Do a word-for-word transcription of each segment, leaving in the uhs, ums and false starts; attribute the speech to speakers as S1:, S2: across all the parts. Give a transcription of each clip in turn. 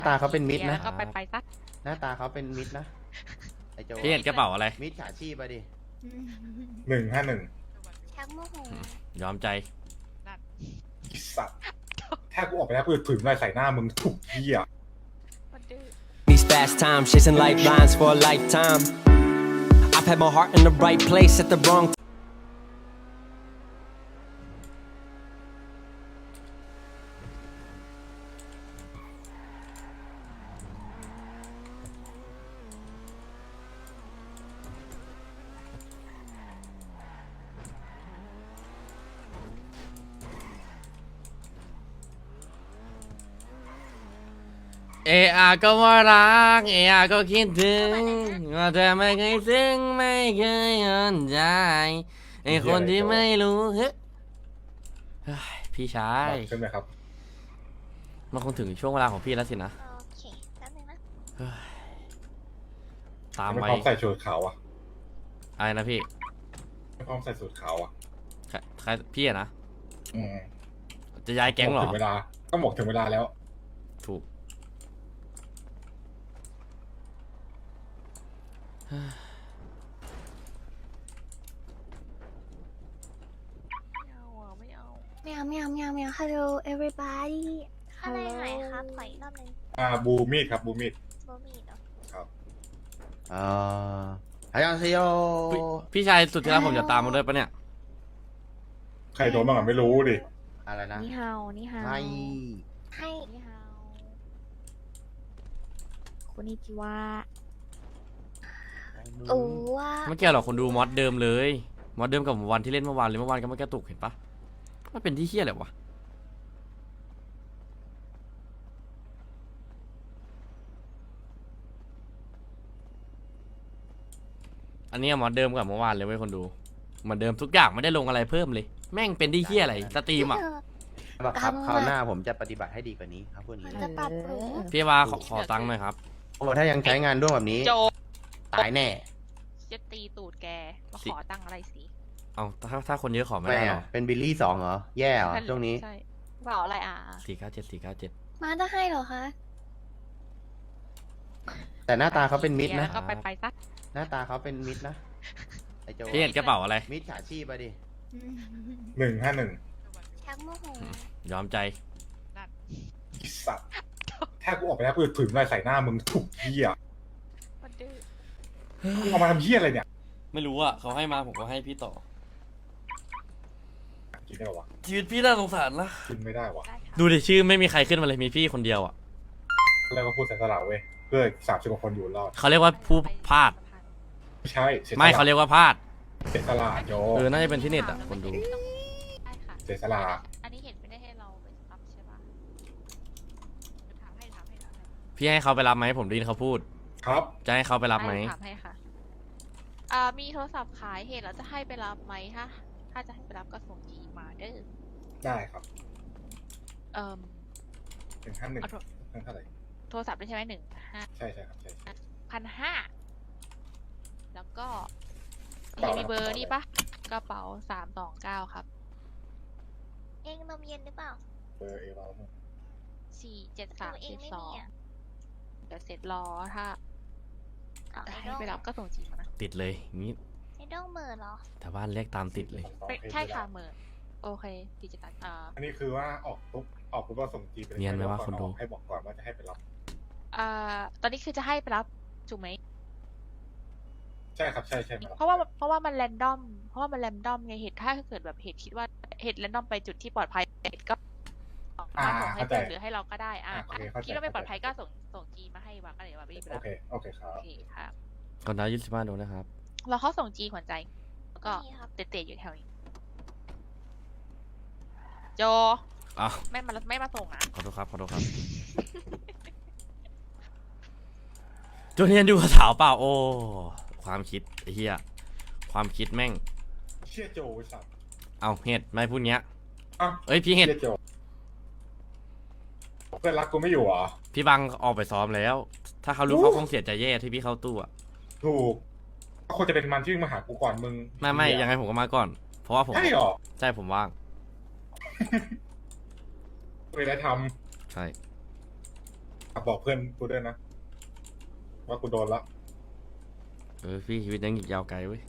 S1: ตาเขาเป็นมิตรนะ
S2: แล้วก็ไปไปซะ
S1: หน้าตาเขาเป็นมิตรนะไอโจ
S3: พี่เห็นกระเป๋าอะไร
S1: มิตรฉาชีพไปดิ
S4: หนึ่งห้าหนึ่ง
S5: ชักโมโห
S3: ยอมใจ
S4: สัตว์ถ้ากูออกไปแล้วกูจะถึงอะไรใส่หน้ามึงถูกเหี้ย
S2: มันดื้อ
S6: These fast times, chasing lifelines for a lifetime. I've had my heart in the right place at the wrong time.
S3: เออาก็ว่ารักเออาก็คิดถึงว่าเธอไม่เคยซึ้งไม่เคยยอนใจไอคนที่ไม่รู้เฮ้ยเฮ้ยพี่ชาย
S4: ใช่ไหมครับ
S3: มันคงถึงช่วงเวลาของพี่แล้วสินะ
S5: โอเคแป๊บนึงนะ
S3: เฮ้ยตาม
S4: ไม่
S3: ไว้
S4: พร้อมใส่สูทขาวอ่ะ
S3: อะไรนะพี่
S4: ไม่พร้อมใส่สูทขาวอ่ะ
S3: ใครใครพี่อะนะ
S4: อืม
S3: จะย้ายแก๊งเหรอ
S4: ถึงเวลาก็หมกถึงเวลาแล้ว
S3: ถูก
S2: ไม่เอาอ่ะไม่เอา
S5: แมวแมวแมวแมว Hello everybody อะไรหายครับขออีกรอบหนึง
S4: อ่าบูมีดครับบูมีด
S5: โบมีดเหรอ
S4: ครับ
S1: เอ่อฮายอนเซโย
S3: พี่พี่ชายสุดที่รักผมจะตามมาด้วยปะเนี่ย
S4: ใครโดนบ้างอ่ะไม่รู้ดิ
S1: อะไรนะ
S2: นี่ฮาวนี่ฮาว
S1: ไม่
S5: ให้
S2: นี่ฮาวคุณนิจิวะ
S5: โอ้ว่า
S3: ไม่เกี่ยวหรอกคนดูมอดเดิมเลยมอดเดิมกับวันที่เล่นเมื่อวานเลยเมื่อวานก็ไม่กระตุกเห็นปะมันเป็นที่เฮี้ยอะไรวะอันนี้มอดเดิมกับเมื่อวานเลยเว้ยคนดูเหมือนเดิมทุกอย่างไม่ได้ลงอะไรเพิ่มเลย แม่งเป็นที่เฮี้ยอะไรสตรีมอ่ะ
S1: บังคับคราวหน้าผมจะปฏิบัติให้ดีกว่านี้ครับพวก
S5: มั
S1: นี้
S5: นจะปรับปรุง
S3: พี่ว่าขอขอตังค์หน่อยครับ
S1: โอ้ถ้ายังใช้งานร่วมแบบนี้
S2: โจ
S1: ตายแน่
S2: จะตีตูดแกมา
S3: สิ
S2: ขอตังค์อะไรสิ
S3: เอาถ้าถ้าคนเยอะขอไม่
S1: ไม่
S3: ได้หร
S1: อะ
S3: อ
S1: เป็นบิลลี่สองเหรอ แย่เหรอช่วงนี้
S2: ใช่เปล่าอะไรอ่ะ
S3: สี่เก้าเจ็ดสี่เก้าเจ็ด
S5: มาจะให้เหรอคะ
S1: แต่หน้าตาเขาเป็นมิตรนะ
S2: แล้วก็ไปไปซะ
S1: หน้าตาเขาเป็นมิตรนะไอโจ
S3: พี่เห็นกระเป๋าอะไร
S1: มิตรฉาชีพไปดิ
S4: หนึ่งห้าหนึ่ง
S5: ชักโมโห
S3: ยอมใจ
S4: สัตว์ถ้ากูออกไปแล้วกูจะถึงอะไรใส่หน้ามึงถูกเหี้ย
S2: มันดื้อ
S4: มึงเอามาทำเหี้ยอะไรเนี่ย
S3: ไม่รู้อ่ะเขาให้มาผมก็ให้พี่ต่อ
S4: กินได้ปะวะ
S3: ชีวิตพี่น่าสงสารนะ
S4: กินไม่ได้วะ
S2: ได้ค่ะ
S3: ดูดิชื่อไม่มีใครขึ้นมาเลยมีพี่คนเดียวอ่ะ
S4: แล้วก็พูดเสียสละเว้ยเพื่อสามสิบกว่าคนอยู่รอด
S3: เขาเรียกว่าผู้พลาด
S4: ไม่ใช่สียสละ
S3: ไม่เขาเรียกว่าพลาด
S4: เสียสละโย
S3: เออน่าจะเป็นที่เน็ตอ่ะคนดู
S2: ได้ค่ะ
S4: เสียสละ
S2: อันนี้เห็นไม่ได้ให้เราไปรับใช่ปะถามให้ถามให้ถามให้
S3: พี่ให้เขาไปรับไหมผมได้ยินเขาพูด
S4: ครับ
S3: จะให้เขาไปรับไหม
S2: ถามให้ค่ะอ่ามีโทรศัพท์ขายเหตุแล้วจะให้ไปรับไหมถ้าถ้าจะให้ไปรับก็ส่งจีมาเด้อ
S4: ได้ครับ
S2: เอ่อ
S4: หนึ่งห้าหนึ่ง
S2: เอาโทร
S4: เท่าไหร่
S2: โทรศัพท์ได้ใช่ไหมหนึ่งห้า
S4: ใช่ใช่ครับใช่ใช่
S2: พันห้าแล้วก็
S4: กระเป๋า
S2: มีเบอ
S4: อะไร
S2: ร์นี่ปะกระเป๋าสามสองเก้าครับ
S5: เองนมเย็นหรือเปล่า
S4: เบอร์เอเรา
S2: สี่เจ็ดสาม
S5: เอ
S2: เจ็
S5: ง
S2: ด
S5: ไม่
S2: สอ
S5: มี
S2: ง
S5: อ่ะ
S2: เดี๋ยวเสร็จรอถ้า
S5: เอา
S2: จะ
S5: ไอ้
S2: ให้
S5: ด้ง
S2: ไปรับก็ส่งจีมานะ
S3: ติดเลยงี้
S5: ไอ้ด้งเหม่อเหรอ
S3: แต่บ้านเรียกตามติดเลย
S2: ไม่ใช่ค่ะเหมือนโอเคดิจิตอลอ่า
S4: อันนี้คือว่าออกปุ๊บออกปุ๊บก็ส่งจีไปล
S3: เนียนไหมวะคนดู
S4: ให้บอกก่อนว่าจะให้ไปรับ
S2: อ่าตอนนี้คือจะให้ไปรับถูกไหม
S4: ใช่ครับใช่ใช่มารับ
S2: เพราะว่าเพราะว่ามันแรนดอมเพราะว่ามันแรนดอมไงเหตุถ้าเกิดแบบเหตุคิดว่าเหตุแรนดอมไปจุดที่ปลอดภัยเหตุก็
S4: อ่า
S2: ส่งให้
S4: เข้าใจ
S2: เพื่อนหรือให้เราก็ได้อ่ะ
S4: อ่าโอเคเข้าใจ
S2: คิดว่าไม่ปลอดภัยก็ส่งส่งจีมาให้วางก็เลยว่าไม่ไป
S4: โอ
S2: รับ
S4: เคโอเคครับ
S2: โอเคครับ
S3: ก่อนดาวยี่สิบห้าดูนะครับ
S2: เราเขาส่งจีขวัญใจ แล้วก็
S5: นี่ครับ
S2: เตะๆอยู่แถวนี้ โจ
S3: อ้าว
S2: ไม่มาไม่มาส่งนะ
S3: ขอโทษครับขอโทษครับโจเนียนดูกับสาวเปล่าโอ้ความคิดไอ้เหี้ยความคิดแม่ง
S4: เชี่ยโจไอ้สัตว์
S3: เอาเห็ดไม่พูดเงี้ย
S4: อ้าว
S3: เอ้ยพี่เห็ด
S4: ชี่ยโจเพื่อนรักกูไม่อยู่เหรอ
S3: พี่บังออกไปซ้อมแล้ว ถ้าเขารู้เขาคงเสียใจแย่ที่พี่เข้าตู้อะ
S4: ถูกก็ควรจะเป็นมันที่มาหากูก่อนมึง
S3: ไม่ไม่ยังไงผมก็มาก่อน เพราะว่าผม
S4: ใช่หรอ
S3: ใช่ผมว่าง
S4: เคยได้ท
S3: ใช่
S4: ฝากบอกเพื่อนกูด้วยนะว่ากูโดนละ
S3: เออพี่ชีวิตยังอีกยาวไกลเว้ย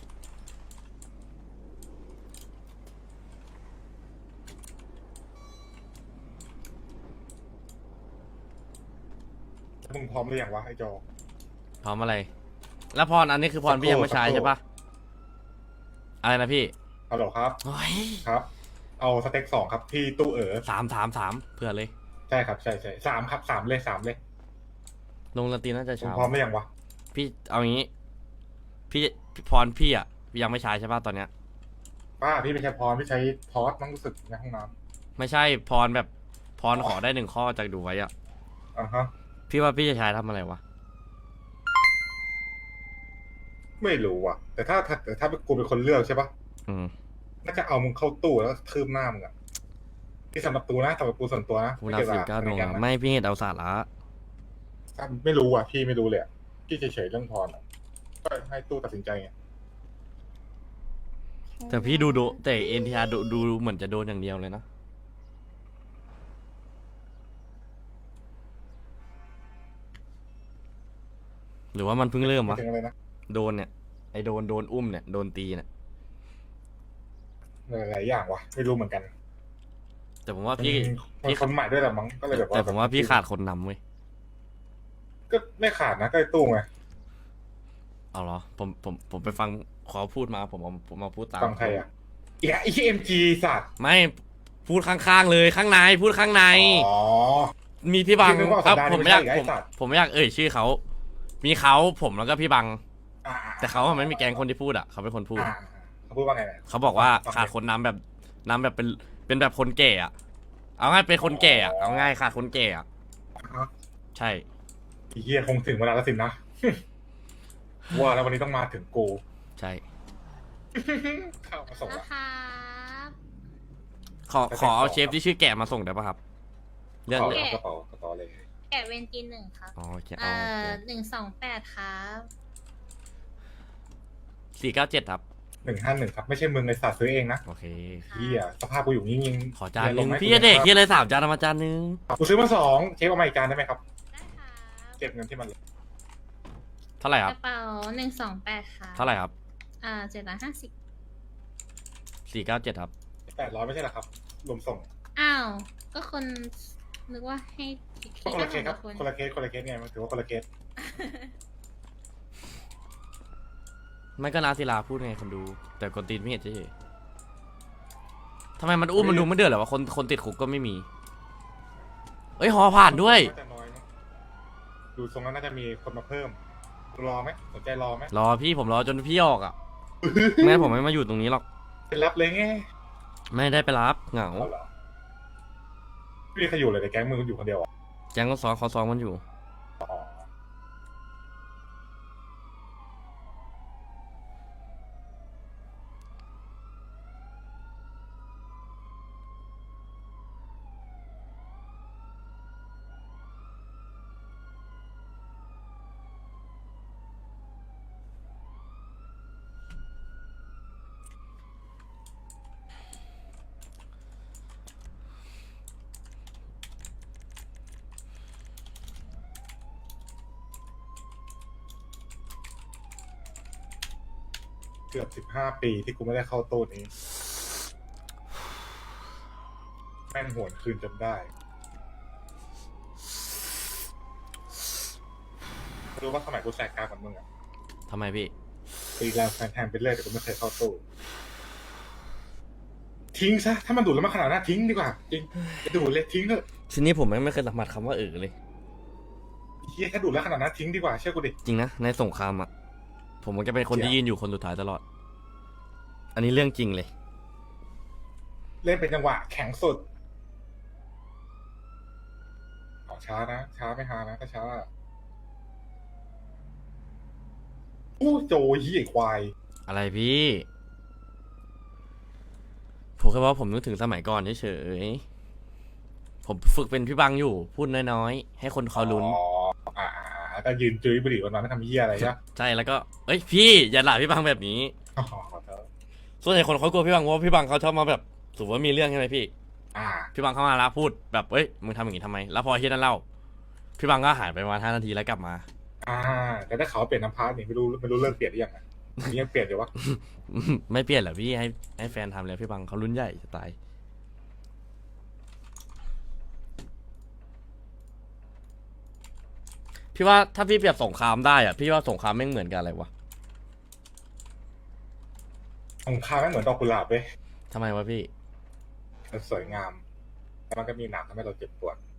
S4: มึงพร้อมหรือยังวะไอ้จอ
S3: พร้อมอะไร แล้วพรอันนี้คือพรพี่ยังไม่ใช้ใช่ปะอะไรนะพี่
S4: ฮัลโหลครับ
S3: โอ้ย
S4: ครับ เอาสเต็กสองครับที่ตู้เอ๋อ
S3: สามสามสามเผื่อเลย
S4: ใช่ครับใช่ใช่สามครับสามเลยสามเลย
S3: ลงดนตรีน่าจะ
S4: มึง
S3: เช้า
S4: พร้อมหรือยังวะ
S3: พี่เอางี้ พี่พรพี่อ่ะยังไม่ใช้ใช่ปะตอนเนี้ย
S4: ป้าพี่ไม่ใช่พรพี่ใช้พอสมั้งรู้สึกในห้องน้
S3: ไม่ใช่พรแบบพรขอได้หนึ่งข้อจากดูไว้อ่ะ
S4: ำอ่าฮะ
S3: พี่ว่าพี่จะใช้ทำอะไรวะ
S4: ไม่รู้ว่ะ แต่ถ้าถ้าแต่ถ้ากูเป็นคนเลือกใช่ปะ
S3: อืม
S4: น่าจะเอามึงเข้าตู้แล้วทืบหน้ามึงอะที่สำหรับกูนะสำหรับกูส่วนตัวนะ
S3: กูรับสิบเก้าดวงอะไม่พี่เห็นเอาสาระ
S4: ถ้าไม่รู้อ่ะพี่ไม่รู้เลยอะพี่เฉยๆเรื่องพรอะก็ให้ตู้ตัดสินใจไง
S3: แต่พี่ดูดูแต่เอ็นทีอาร์ดูดูเหมือนจะโดนอย่างเดียวเลยนะ หรือว่ามันเพิ่งเริ่มวะ
S4: ถึงอะไรนะ
S3: โดนเนี่ยไอโดนโดนอุ้มเนี่ยโดนตีเนี่ย
S4: หลายๆอย่างวะไม่รู้เหมือนกัน
S3: แต่ผมว่าพี่
S4: มันคนใหม่ด้วยแหละมั้งก็เลยแบบว่า
S3: แต่ผมว่าพี่ขาดคนนำเว้ย
S4: ก็ไม่ขาดนะก็ไอ้ตู้ไง
S3: เอาเหรอผมผมผมไปฟังขอพูดมาผมเอาผมมาพูดตาม
S4: ฟังใครอ่ะอีกไอ้เอ็มจีสัตว์
S3: ไม่พูดข้างๆเลยข้างในพูดข้างใน
S4: อ๋อ
S3: มีพี่บัง
S4: พี่นึกว่า
S3: ครับ
S4: สัปดาห์นี้
S3: ผมไม่อยาก
S4: ไม่ใช่
S3: ผม
S4: ไอ้สัตว์
S3: ผมไม่อยากเอ่ยชื่อเขา มีเขาผมแล้วก็พี่บัง
S4: อ่า
S3: แต่เขาอะไม่มีแกงคนที่พูดอ่ะเขาเป็นคนพูด
S4: อ่าเขาพูดว่าไงนะ
S3: เขาบอกว่า
S4: ฟัง
S3: ขาดคนนำแบบนำแบบเป็นเป็นแบบคนแก่อะเอาง่ายเป็นคนแก่อะเอาง่ายขาดคนแก่อะ
S4: ฮะ
S3: ใช่
S4: ไอ้เฮียคงถึงเวลาแล้วสินะ ว่าแล้ววันนี้ต้องมาถึงกู
S3: ใช่
S4: เข้ามาส่ง
S5: นะ
S4: ละ
S5: ครับ
S3: ขอขอเอาเชฟที่ชื่อแก่มาส่งได้ปะครับ เรื่อง
S4: เอา
S3: เรื่อง
S4: กระเป๋ากระเป๋าเลย
S5: แกะเวนจีนหนึ่งครับ
S3: อ๋อโอเค
S5: เอ่
S3: เอา
S5: อหนึ่งสองแปดครับ
S3: สี่เก้าเจ็ดครับ
S4: หนึ่งห้าหนึ่งครับ ไม่ใช่มึงไอสัตว์ซื้อเองนะ
S3: โอเค
S4: เฮียสภาพกูอยู่นิ่งๆ
S3: ขอจานห
S4: ล
S3: นึ่ง
S4: ไหม
S3: พี่จะเด็กที่เลยสามจานเอามาจานหนึง
S4: กูซื้อมาสองเชฟเอามาอีกจานได้ไหมครับ
S5: ได้ครับ
S4: เก็บเงินที่มันเลย
S3: เท่าไหร่ค
S5: ก
S3: รับ
S5: ระเป๋าหนึ่งสองแปดครับ
S3: เท่าไหร่ครับ
S5: อ่าเจ็ดร้อยห้าสิบ
S3: สี่เก้าเจ็ดครับ
S4: แปดร้อยไม่ใช่เหรอครับ รวมส่ง
S5: อ้าว ก็คนนึกว่าให้
S4: ก็คนละเคสครับ
S5: คน
S4: คนละเคสคนละเคสไงมันถือว่าคนละเคส
S3: ไม่ก็นาศิลาพูดไงคนดู แต่คนตีนไม่เห็นเฉยๆทำไมมันอุ้มมันดูไม่เดือดเหรอวะคนคนติดคุกก็ไม่มี เอ้ยหอผ่านด้วย
S4: น่าจะน้อยนะดูทรงแล้วน่าจะมีคนมาเพิ่ม รอไหมสนใจรอไหม
S3: รอพี่ผมรอจนพี่ออกอ่ะ แม่ผมไม่มาอยู่ตรงนี้หรอก
S4: เป็นรับเลยไง
S3: ไม่ได้ไปรับเหงา
S4: เอาเหรอไม่มีใครอยู่เลยในแก๊งมึงอยู่คนเดียวอ่ะ
S3: แจ้งก็ซ้อมเขาซ้อมมันอยู่
S4: อ๋อ เกือบสิบห้าปีที่กูไม่ได้เข้าตู้นี้ แม่งหวนคืนจนได้รู้ว่าสมัยกูแสกกลางกับมึงอ่ะ
S3: ทำไมพี่
S4: ตีแรงแทนไปเรื่อยแต่กูไม่เคยเข้าตู้ ทิ้งซะ ถ้ามันดูดแล้วมันขนาดนั้นทิ้งดีกว่า จริงจะดูดเลยทิ้งเถอะ
S3: ทีนี้ผมไม่เคยสัมผัสคำว่าเออเลย
S4: เฮียถ้าดูดแล้วขนาดนั้นทิ้งดีกว่าเชื่อกูดิ
S3: จริงนะ ในสงครามอ่ะ ผมมันจะเป็นคนที่ยืนอยู่คนสุดท้ายตลอด อันนี้เรื่องจริงเลย
S4: เล่นเป็นจังหวะแข็งสุดเอาช้านะ ช้าไม่ฮานะถ้าช้าโอ้โจเฮียควาย
S3: อะไรพี่ ผมแค่ว่าผมนึกถึงสมัยก่อนเฉยๆผมฝึกเป็นพี่บังอยู่ พูดน้อยๆ ให้คนเขาลุ้น
S4: อ๋ออ่าก็ยืนจุ้ยบุหรี่วันนั้นไม่ทำเหี้ยอะไรใช่ไหม
S3: ใช่แล้วก็ เอ้ยพี่อย่าด่าพี่บังแบบนี้
S4: อ๋อขอโทษ
S3: ส่วนใหญ่คนเขากลัวพี่บังเพราะว่าพี่บังเขาชอบมาแบบสมมติว่ามีเรื่องใช่ไหมพี่
S4: อ่า
S3: พี่บังเข้ามาแล้วพูดแบบเอ้ยมึงทำอย่างนี้ทำไม แล้วพอเฮียนั่นเล่าพี่บังก็หายไปประมาณห้านาทีแล้วกลับมา
S4: อ่า แต่ถ้าเขาเปลี่ยนน้ำพาร์ทนี่ไม่รู้ไม่รู้เลิกเปลี่ยนหรือยังอ่ะนี่ยังเปลี่ยนอยู่วะ
S3: ไม่เปลี่ยนเหรอพี่ให้ให้แฟนทำเลยพี่บังเขารุ่นใหญ่จะตายพี่ว่าถ้าพี่เปรียบสงครามได้อะพี่ว่าสงครามแม่งเหมือนกันอะไรวะ
S4: ของข้าไม่เหมือนดอกกุหลาบเว้ย
S3: ทำไมวะพี่
S4: มันสวยงามแต่มันก็มีหนามทำให้เราเจ็บปวด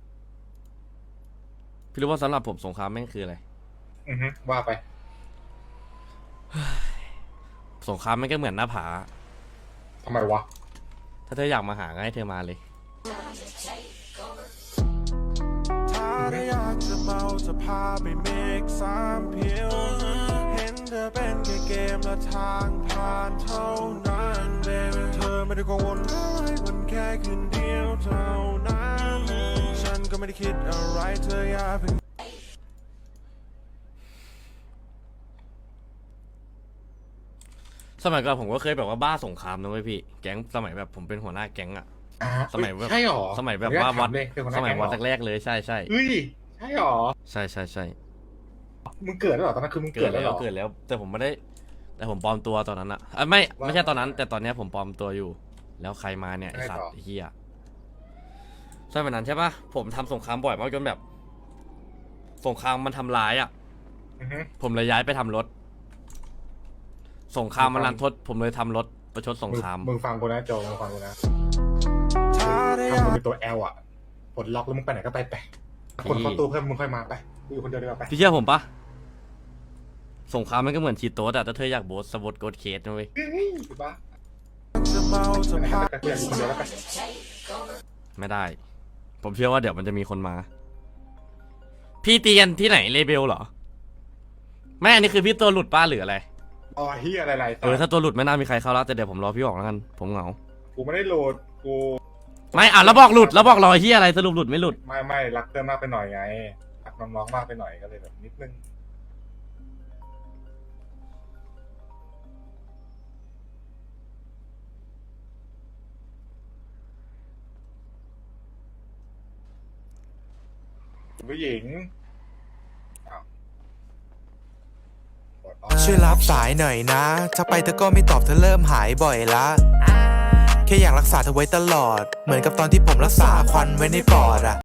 S3: พี่รู้ว่าสำหรับผมสงครามแม่งคืออะไร
S4: อือฮึว่าไป
S3: สงครามแม่งก็เหมือนหน้าผา
S4: ทำไมวะ
S3: ถ้าเธออยากมาหาก็ให้เธอมาเลย
S7: ถ้าได้อยากจะเมาจะพาไปเมกสามเพียวเห็นเธอเป็นแค่เกมและทางผ่านเท่านั้นเบบี้เธอไม่ได้กังวลอะไรมันแค่คืนเดียวเท่านั้นฉันก็ไม่ได้คิดอะไรเธออย่าเพิ่ง
S3: สมัยก่อนผมก็เคยแบบว่าบ้าสงครามนะเว้ยพี่ แก๊งสมัยแบบผมเป็นหัวหน้าแก๊งอะ
S4: อ่า
S3: สมัยแบบ
S4: ใช่หรอ
S3: สมัยแบบว่าวัด
S4: เลยเป็นคนห
S3: ส
S4: น้า
S3: มัย
S4: แก๊ง
S3: วัด
S4: เหรอ
S3: แรกๆเลยใช่ใช่
S4: เฮ้ยใช่หรอ
S3: ใช่ใช่ใช่
S4: มึงเกิดแล้วเหรอตอนนั้นคือมึง
S3: เกิ
S4: เกิ
S3: ด
S4: ดแล้ว
S3: แล้
S4: เหร
S3: ว
S4: อ
S3: เกิดแล้ว แต่ผมไม่ได้ แต่ผมปลอมตัวตอนนั้นอะอ่ะไม่
S4: ว่า
S3: ไม่ใช่ตอนนั้น แต่ตอนเนี้ยผมปลอมตัวอยู่ แล้วใครมาเนี่ยไอ
S4: ไง
S3: สัต
S4: ต่อ
S3: ว์ไอ้เฮียใช่แบบนั้นใช่ปะผมทำสงครามบ่อยมากจนแบบ สงครามมันทำร้ายอะ
S4: อือฮึ
S3: ผมเลยย้ายไปทำรถ สงครามมัน
S4: มึงฟั
S3: รั
S4: ง
S3: นทด ผมเลยทำรถประชดสงคราม
S4: มึงมึงฟังกูนะโจมึงฟังกูนะ
S7: ถ้าได้อ
S4: ทำ
S7: ยา
S4: มึง
S7: ก
S4: เป็นตัว L อ่ะปลดล็อกแล้วมึงไปไหนก็ไปไปคนเข้าตู้เพิ่มมึงค่อยมาไปกูอยู่คนเดียวดีกว่าไป
S3: พี่เชื่อผมปะสงครามมันก็เหมือนชีโต๊ดอะถ้าเธออยากโบสสวอตโกดเคสนะเว้ย
S4: เฮ้ยถูกปะ
S7: จะเมาจะ
S4: ไปไหน
S7: พา
S4: ก็ไปกูอยากอยู่คนเดียวแล้วไป
S3: ไม่ได้ ผมเชื่อว่าเดี๋ยวมันจะมีคนมา พี่เตียนที่ไหนเลเบลเหรอ ไม่อันนี้คือพี่ตัวหลุดป้าหรืออะไร
S4: อ๋อเฮียอะไรๆ
S3: เออถ้าตัวหลุดไม่น่ามีใครเข้าแล้วแต่เดี๋ยวผมรอพี่ออกแล้วกัน ผมเหงา
S4: กูไม่ได้โหลดกู
S3: ไม่อ่ะแล้วบอกหลุดแล้วบอกรอเฮียอะไรสรุปหลุดไม่หลุด
S4: ไม่ไม่รักเพื่อนมากไปหน่อยไงรักน้องๆมากไปหน่อยก็เลยแบบนิดนึงคุณผู้หญิงอ้าวกดออฟ
S7: ช่วยรับสายหน่อยนะถ้าไปเธอก็ไม่ตอบเธอเริ่มหายบ่อยละแค่อยากรักษาเธอไว้ตลอด เหมือนกับตอนที่ผมรักษาควันไว้ในปอดอะ